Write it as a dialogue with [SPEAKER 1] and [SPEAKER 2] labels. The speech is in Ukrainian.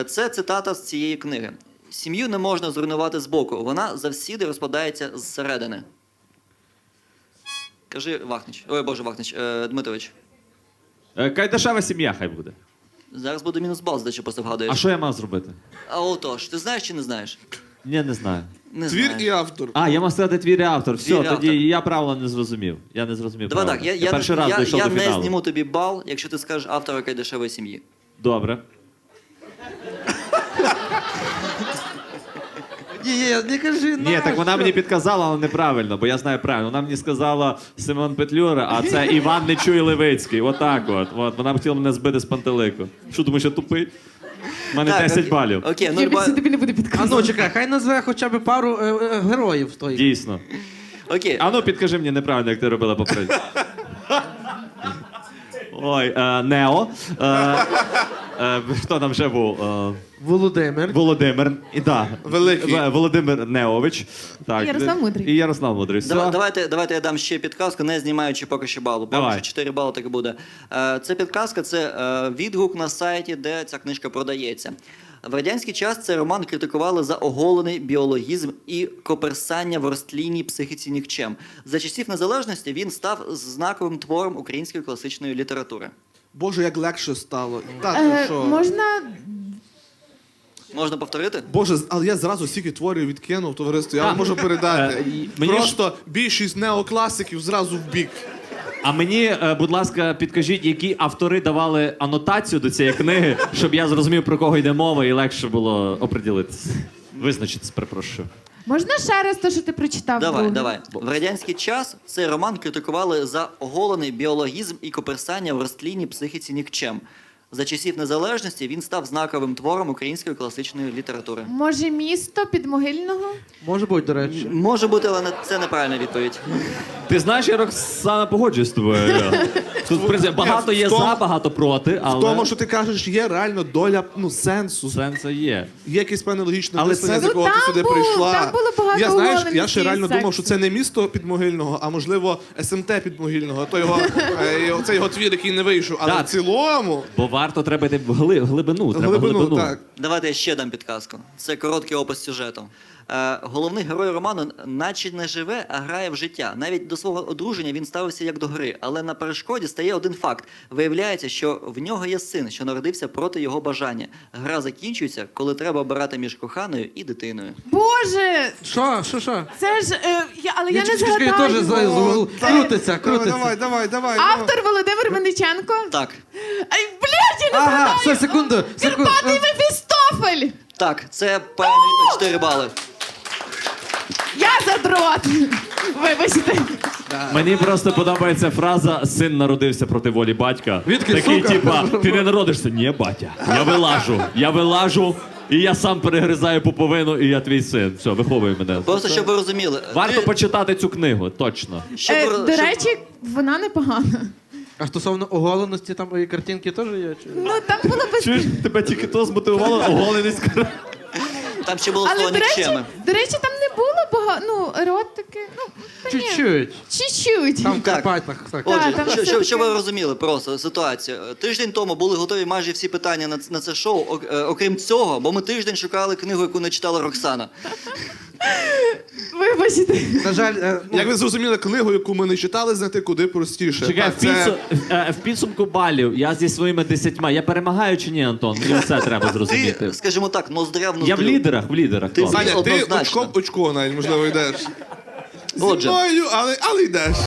[SPEAKER 1] Це цитата з цієї книги. «Сім'ю не можна зруйнувати збоку, вона завсіди розпадається зсередини». Кажи, Вахнич. Ой, Боже, Вахнич. Дмитрович.
[SPEAKER 2] Кайдашева сім'я хай буде.
[SPEAKER 1] Зараз буде мінус бал, здачу просто вгадуєш.
[SPEAKER 2] А що я мав зробити?
[SPEAKER 1] А отож, ти знаєш чи не знаєш?
[SPEAKER 2] Ні, не знаю.
[SPEAKER 1] Не
[SPEAKER 3] Твір
[SPEAKER 1] знаєш.
[SPEAKER 3] і автор.
[SPEAKER 2] А, я мав сказати твір і автор. Все,
[SPEAKER 1] Твір і
[SPEAKER 2] тоді
[SPEAKER 1] автор.
[SPEAKER 2] я правила не зрозумів. Я не зрозумів
[SPEAKER 1] Давай
[SPEAKER 2] правила.
[SPEAKER 1] так, я
[SPEAKER 2] перший раз дійшов
[SPEAKER 1] я
[SPEAKER 2] до
[SPEAKER 1] не
[SPEAKER 2] фіналу.
[SPEAKER 1] зніму тобі бал, якщо ти скажеш автора Кайдашевої сім'ї.
[SPEAKER 2] Добре.
[SPEAKER 4] Ні, не кажи,
[SPEAKER 2] Ні, так вона мені підказала, але неправильно, бо я знаю правильно. Вона мені сказала Симон Петлюра, а це Іван Нечуй Левицький. Отак от. Вона хотіла мене збити з пантелику. Що, думаєш, я тупий? У мене 10 балів.
[SPEAKER 1] Окей,
[SPEAKER 5] Я
[SPEAKER 1] ну,
[SPEAKER 5] більше тобі не буду
[SPEAKER 4] А
[SPEAKER 5] підказувати.
[SPEAKER 4] ну, чекай, хай назве хоча б пару героїв той.
[SPEAKER 2] Дійсно.
[SPEAKER 1] окей.
[SPEAKER 2] А ну підкажи мені неправильно, як ти робила попередньо. Ой, Нео. Хто там ще був?
[SPEAKER 4] Володимир.
[SPEAKER 2] Володимир. І да.
[SPEAKER 3] Великий.
[SPEAKER 2] Володимир Неович. Так.
[SPEAKER 5] І Ярослав Мудрий.
[SPEAKER 2] І Ярослав Мудрий. Все.
[SPEAKER 1] Давайте я дам ще підказку, не знімаючи поки що балу. Поки
[SPEAKER 2] Давай.
[SPEAKER 1] що 4 бали так і буде. Це підказка, це відгук на сайті, де ця книжка продається. В радянський час цей роман критикували за оголений біологізм і коперсання в розтлінній психіці нікчем. За часів незалежності він став знаковим твором української класичної літератури.
[SPEAKER 3] Боже, як легше стало. Та ти що?
[SPEAKER 5] Можна...
[SPEAKER 1] Можна повторити?
[SPEAKER 3] Боже, але я зразу стільки творів відкинув, товариство, я вам можу передати.
[SPEAKER 2] мені
[SPEAKER 3] Просто більшість неокласиків зразу в бік.
[SPEAKER 2] А мені, будь ласка, підкажіть, які автори давали анотацію до цієї книги, щоб я зрозумів, про кого йде мова, і легше було оприділитися. Визначитись, перепрошую.
[SPEAKER 5] Можна ще раз те, що ти прочитав?
[SPEAKER 1] Давай,
[SPEAKER 5] друге?
[SPEAKER 1] давай. В радянський час цей роман критикували за оголений біологізм і коперсання в розтлінній психіці нікчем. За часів незалежності він став знаковим твором української класичної літератури.
[SPEAKER 5] Може, місто Підмогильного?
[SPEAKER 4] Може бути, до речі.
[SPEAKER 1] Може бути, але це неправильна відповідь.
[SPEAKER 2] Ти знаєш, я Роксана погоджуюсь з тобою. Тут, в принципі, багато є
[SPEAKER 3] в тому-
[SPEAKER 2] за, багато проти, але
[SPEAKER 3] В тому, що ти кажеш, є реально доля сенсу.
[SPEAKER 2] сенс є.
[SPEAKER 3] Є якесь певне логічне
[SPEAKER 2] Але
[SPEAKER 3] мислення,
[SPEAKER 2] це-
[SPEAKER 3] з якого
[SPEAKER 5] Ну,
[SPEAKER 3] ти
[SPEAKER 5] там
[SPEAKER 3] сюди
[SPEAKER 5] було-
[SPEAKER 3] прийшла.
[SPEAKER 5] там було багато
[SPEAKER 3] я, знаєш,
[SPEAKER 5] оголених
[SPEAKER 3] я ще реально
[SPEAKER 5] секцій.
[SPEAKER 3] думав, що це не місто Підмогильного, а можливо СМТ Підмогильного. То це його твір, який не вийшов. Але
[SPEAKER 2] Так.
[SPEAKER 3] в цілому
[SPEAKER 2] Бо варто треба йти в глибину. Треба
[SPEAKER 3] глибину, так.
[SPEAKER 1] Давайте я ще дам підказку. Це короткий опис сюжету. Головний герой роману наче не живе, а грає в життя. Навіть до свого одруження він ставився як до гри. Але на перешкоді стає один факт. Виявляється, що в нього є син, що народився проти його бажання. Гра закінчується, коли треба обирати між коханою і дитиною.
[SPEAKER 5] Боже,
[SPEAKER 4] Що?
[SPEAKER 5] це ж... але я не
[SPEAKER 4] Чекай,
[SPEAKER 5] згадаю.
[SPEAKER 4] теж крутиться.
[SPEAKER 3] Давай.
[SPEAKER 5] Автор Володимир Винниченко?
[SPEAKER 1] Так.
[SPEAKER 5] Ай, блядь, я не
[SPEAKER 4] Ага,
[SPEAKER 5] згадаю!
[SPEAKER 4] все, секунду.
[SPEAKER 5] Карпатий Мефістофель!
[SPEAKER 1] Так, це правильно відповідь, 4 бали.
[SPEAKER 5] Я задрот! Вибачте.
[SPEAKER 2] Мені просто подобається фраза «син народився проти волі батька».
[SPEAKER 4] Відки,
[SPEAKER 2] Такий,
[SPEAKER 4] сука?
[SPEAKER 2] типа, ти не народишся? Ні, батя. Я вилажу, і я сам перегризаю пуповину, і я твій син. Все, виховуй мене.
[SPEAKER 1] Просто щоб ви розуміли.
[SPEAKER 2] Варто почитати цю книгу, точно.
[SPEAKER 5] До речі, вона непогана.
[SPEAKER 4] А стосовно оголеності, там і картинки теж є? Чи?
[SPEAKER 5] Ну, там було без...
[SPEAKER 2] Чуєш, тебе тільки то змотивувало, оголений скоро.
[SPEAKER 1] Там ще було
[SPEAKER 5] Але,
[SPEAKER 1] слово нікчеми.
[SPEAKER 5] до речі, там не було багато, ну, еротики, ну, та ні.
[SPEAKER 4] Чуть-чуть.
[SPEAKER 5] Чуть-чуть.
[SPEAKER 4] Там в
[SPEAKER 1] Так.
[SPEAKER 4] Карпатах. Так.
[SPEAKER 1] Отже,
[SPEAKER 5] там
[SPEAKER 1] щоб
[SPEAKER 5] все-таки-
[SPEAKER 1] ви розуміли просто ситуацію. Тиждень тому були готові майже всі питання на це шоу, окрім цього, бо ми тиждень шукали книгу, яку не читала Роксана.
[SPEAKER 5] Вибачте.
[SPEAKER 4] На жаль,
[SPEAKER 3] Як ви зрозуміли, книгу, яку ми не читали, знайти куди простіше.
[SPEAKER 2] Чекай,
[SPEAKER 3] Так,
[SPEAKER 2] в підсумку балів я зі своїми 10. Я перемагаю чи ні, Антон? Мені це треба зрозуміти.
[SPEAKER 1] Ти, скажімо так, ноздря в
[SPEAKER 2] Я в
[SPEAKER 1] ноздрю.
[SPEAKER 2] лідерах.
[SPEAKER 1] Ти
[SPEAKER 2] Хто?
[SPEAKER 3] Саня, ти
[SPEAKER 1] Однозначно.
[SPEAKER 3] очко навіть, можливо, йдеш. Зі
[SPEAKER 1] Отже.
[SPEAKER 3] мною, але йдеш.